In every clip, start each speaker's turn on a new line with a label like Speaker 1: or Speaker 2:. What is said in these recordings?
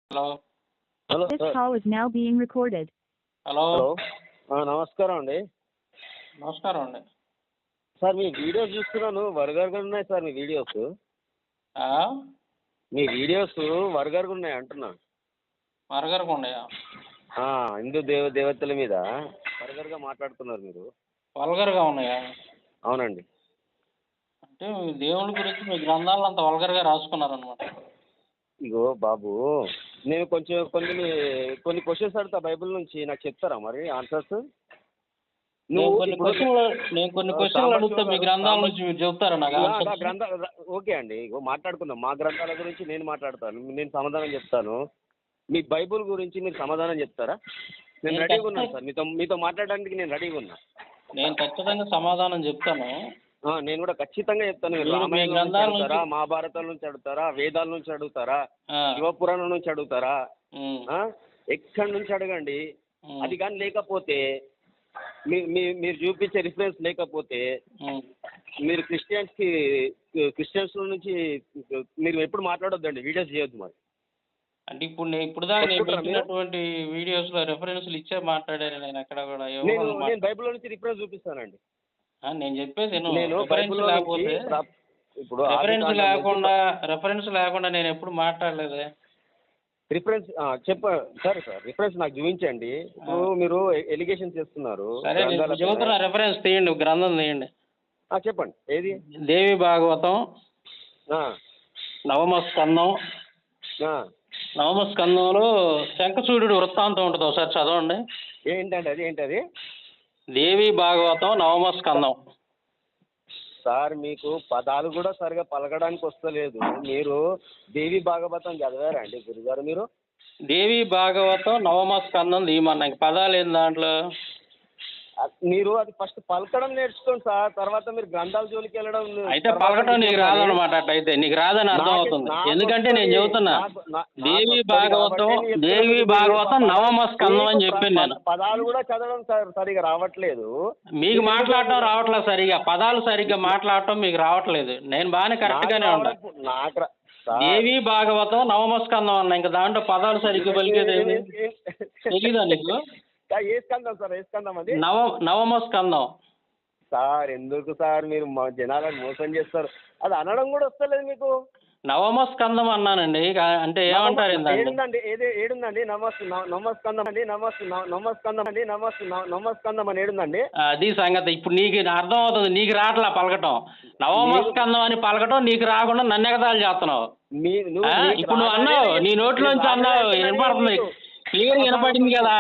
Speaker 1: Hello
Speaker 2: hello
Speaker 3: This
Speaker 2: sir.
Speaker 3: call is now being recorded.
Speaker 1: Hello
Speaker 2: నమస్కారం అండి.
Speaker 1: నమస్కారం అండి.
Speaker 2: సార్ మీ వీడియోస్ చూస్తున్నాను, వరుగరుగా ఉన్నాయి సార్ మీ వీడియోస్.
Speaker 1: ఆ?
Speaker 2: మీ వీడియోస్ వరుగరుగా ఉన్నాయి అంటున్నా.
Speaker 1: మరగరకు ఉన్నాయా?
Speaker 2: హిందూ దేవతల మీద వరుగరుగా మాట్లాడుతున్నారు మీరు.
Speaker 1: వల్గర్గా ఉన్నాయా?
Speaker 2: అవునండి.
Speaker 1: అంటే మీ దేవుడి గురించి మీ గ్రంథాలను అంత వల్గర్గా రాసుకున్నారనమాట.
Speaker 2: ఇగో బాబు, నేను కొన్ని క్వశ్చన్స్ అడుగుతా బైబిల్ నుంచి, నాకు చెప్తారా మరి ఆన్సర్స్?
Speaker 1: నేను కొన్ని క్వశ్చన్లు అడిగితే మీ గ్రంథాల నుంచి మీరు చెప్తారా నాకు ఆన్సర్స్?
Speaker 2: ఓకే అండి, ఇగో మాట్లాడుకుందాం. మా గ్రంథాల గురించి నేను మాట్లాడతాను, నేను సమాధానం చెప్తాను. మీ బైబుల్ గురించి మీరు సమాధానం చెప్తారా? నేను రెడీగా ఉన్నాను సార్, మీతో మాట్లాడడానికి నేను రెడీగా ఉన్నా.
Speaker 1: నేను ఖచ్చితంగా సమాధానం చెప్తాను.
Speaker 2: నేను కూడా ఖచ్చితంగా చెప్తాను. మీరు రామాయణం నుంచి అడుగుతారా, మహాభారతాల నుంచి అడుగుతారా, వేదాల నుంచి అడుగుతారా, శివపురాణం నుంచి అడుగుతారా, ఎక్కడి నుంచి అడగండి. అది కానీ లేకపోతే మీరు చూపించే రిఫరెన్స్ లేకపోతే మీరు క్రిస్టియన్స్ నుంచి మీరు ఎప్పుడు మాట్లాడొద్దండి, వీడియోస్ చేయొద్దు మరి.
Speaker 1: అంటే ఇప్పుడు దాకా నేను పెట్టినటువంటి వీడియోస్లో రెఫరెన్స్లు ఇచ్చే మాట్లాడాను. నేను ఎక్కడ కూడా
Speaker 2: నేను బైబిల్లో నుంచి రిఫరెన్స్ చూపిస్తానండి.
Speaker 1: నేను చెప్పేది రెఫరెన్స్ లేకుండా నేను ఎప్పుడు మాట్లాడలేదే.
Speaker 2: రిఫరెన్స్ సరే సార్, రిఫరెన్స్ నాకు చూపించండి. ఇప్పుడు మీరు ఎలిగేషన్ చేస్తున్నారు.
Speaker 1: సరే చెబుతున్నా, రెఫరెన్స్ తీయండి, గ్రంథం తీయండి.
Speaker 2: చెప్పండి, ఏది?
Speaker 1: దేవి భాగవతం నవమ స్కందంలో శంఖచూడు వృత్తాంతం ఉంటుంది, ఒకసారి చదవండి.
Speaker 2: ఏంటది?
Speaker 1: దేవి భాగవతం నవమ స్కందం.
Speaker 2: సార్ మీకు పదాలు కూడా సరిగా పలకడానికి వస్తలేదు. మీరు దేవి భాగవతం చదివారా అండి గురుగారు మీరు?
Speaker 1: దేవి భాగవతం నవమ స్కందం తీయమన్నా, ఇంక పదాలు ఏంది దాంట్లో?
Speaker 2: మీరు అది ఫస్ట్ పలకడం నేర్చుకోండి సార్, తర్వాత మీరు గ్రంథాల జోలికి వెళ్ళడం.
Speaker 1: అయితే పలకటం నీకు రాదనమాట. అట్లయితే నీకు రాదని అర్థం అవుతుంది. ఎందుకంటే నేను చెబుతున్నా దేవి భాగవతం నవమ స్కందం అని చెప్పాను నేను.
Speaker 2: పదాలు కూడా చదవడం సరిగా రావట్లేదు.
Speaker 1: మీకు మాట్లాడటం రావట్లేదు సరిగా, పదాలు సరిగ్గా మాట్లాడటం మీకు రావట్లేదు. నేను బాగానే కరెక్ట్గానే ఉన్నా. దేవి భాగవతం నవమ స్కందం అన్నా, ఇంకా దాంట్లో పదాలు సరిగ్గా పలికేది తెలీదా నీకు?
Speaker 2: ఏ స్కందం సార్? ఏ స్కందం అది?
Speaker 1: నవమ స్కందం
Speaker 2: సార్. ఎందుకు సార్ మీరు జనాలను మోసం చేస్తారు? అది అనడం కూడా వస్తలేదు మీకు.
Speaker 1: నవమ స్కందం అన్నానండి. అంటే ఏమంటారు?
Speaker 2: ఏడుందండి నమస్కందం అని ఏడుందండి?
Speaker 1: అది సంగతి. ఇప్పుడు నీకు అర్థం అవుతుంది, నీకు రావట్లా పలకటం. నవమ స్కందం అని పలకటం నీకు రాకుండా నన్ను ఎగతాళి చేస్తున్నావు. ఇప్పుడు నువ్వు అన్నావు, నీ నోట్లోంచి అన్నావు, వినపడుతుంది, క్లియర్ వినపడింది కదా.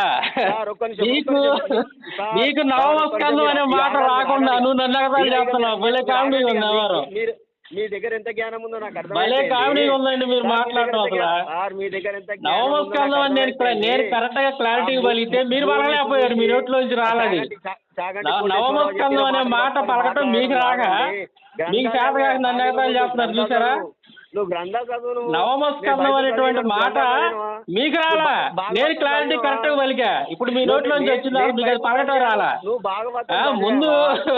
Speaker 1: నీకు నవమ స్కందం అనే మాట రాకుండా నువ్వు నన్ను ఎగతాళి చేస్తున్నావు. భలే కామెడీ ఉంది. ఎవరు
Speaker 2: మీ దగ్గర ఎంత జ్ఞానం ఉందో నాకు అర్థం.
Speaker 1: భలే కామెడీ ఉందండి మీరు మాట్లాడటం. అసలు
Speaker 2: మీ దగ్గర ఎంత
Speaker 1: నవమ స్కందం అని నేను కరెక్ట్ గా క్లారిటీ పలికితే మీరు పలకలేకపోయారు, మీ నోట్లోంచి రాలేదు. నవమ స్కందం అనే మాట పలకటం మీకు రాగా మీకు చేతగా నన్ను ఎగతాళి చేస్తున్నారు, చూసారా? నవమ స్కందం అనేటువంటి మాట మీకు రాలా, నేను క్లారిటీ కరెక్ట్ గా పలికా. ఇప్పుడు మీ నోట్లోంచి వచ్చిందా? మీకు అది పలకటం రాలా ముందు?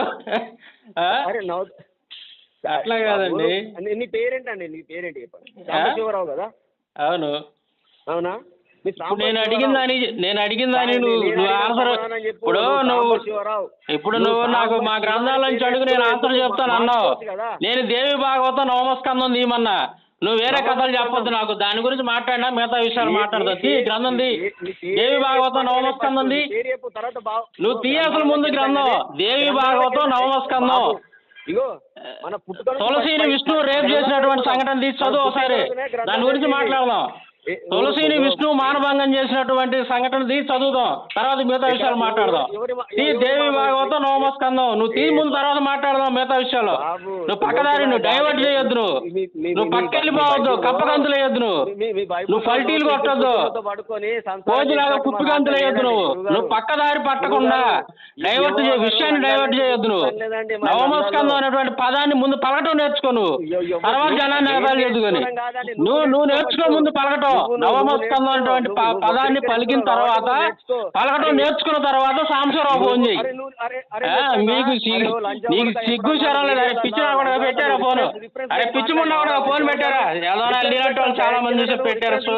Speaker 1: అట్లా కాదండి.
Speaker 2: నీ పేరేంటండి? నీ పేరేంటి చెప్పండి. సాంబశివరావు కదా? అవునా?
Speaker 1: నేను అడిగిన దాని నువ్వు ఆన్సర్ ఇప్పుడు నువ్వు నాకు మా గ్రంథాల నుంచి అడుగు, నేను ఆన్సర్ చెప్తాను అన్నావు. నేను దేవి భాగవతం నవమ స్కందం తీయమన్నా, నువ్వు వేరే కథలు చెప్పొద్దు నాకు. దాని గురించి మాట్లాడినా మిగతా విషయాలు మాట్లాడదు. గ్రంథం దేవి భాగవతం నవమ స్కందం నువ్వు తీయ. అసలు ముందు గ్రంథం దేవి భాగవతం నవమ స్కందం. తులసిని విష్ణు రేపు చేసినటువంటి సంఘటన తీసి చదువు ఒకసారి, దాని గురించి మాట్లాడదాం. తులసిని విష్ణు మానభంగం చేసినటువంటి సంఘటన తీసి చదువుదాం, తర్వాత మిగతా విషయాలు మాట్లాడదాం. దేవి భాగవతం నవమ స్కందం నువ్వు తీ ముందు, తర్వాత మాట్లాడదాం మిగతా విషయాలు. నువ్వు పక్కదారి నువ్వు డైవర్ట్ చేయొద్దు, నువ్వు పక్కెళ్ళిపోవద్దు, కప్పగంతులు వేయొద్దు, నువ్వు పల్టీలు కొట్టద్దు, కోజులాగా కుప్పిగంతులు వేయొద్దు, నువ్వు పక్కదారి పట్టకుండా విషయాన్ని డైవర్ట్ చేయొద్దు. నవమ స్కందం అనేటువంటి పదాన్ని ముందు పలకటం నేర్చుకో, నువ్వు తర్వాత జనాన్ని ఎగతాళి చేసుకొని నువ్వు నేర్చుకో ముందు పలకటం. నవమ స్కందం అనేటువంటి పదాన్ని పలికిన తర్వాత పలకటం నేర్చుకున్న తర్వాత సాంబశివరావు ఫోన్ చేయి. నీకు సిగ్గు శరం లేదు? అరే పిచ్చి కూడా పెట్టారా ఫోన్? అరే పిచ్చి ముండా కూడా ఫోన్ పెట్టారా? ఏదో చాలా మంది పెట్టారు.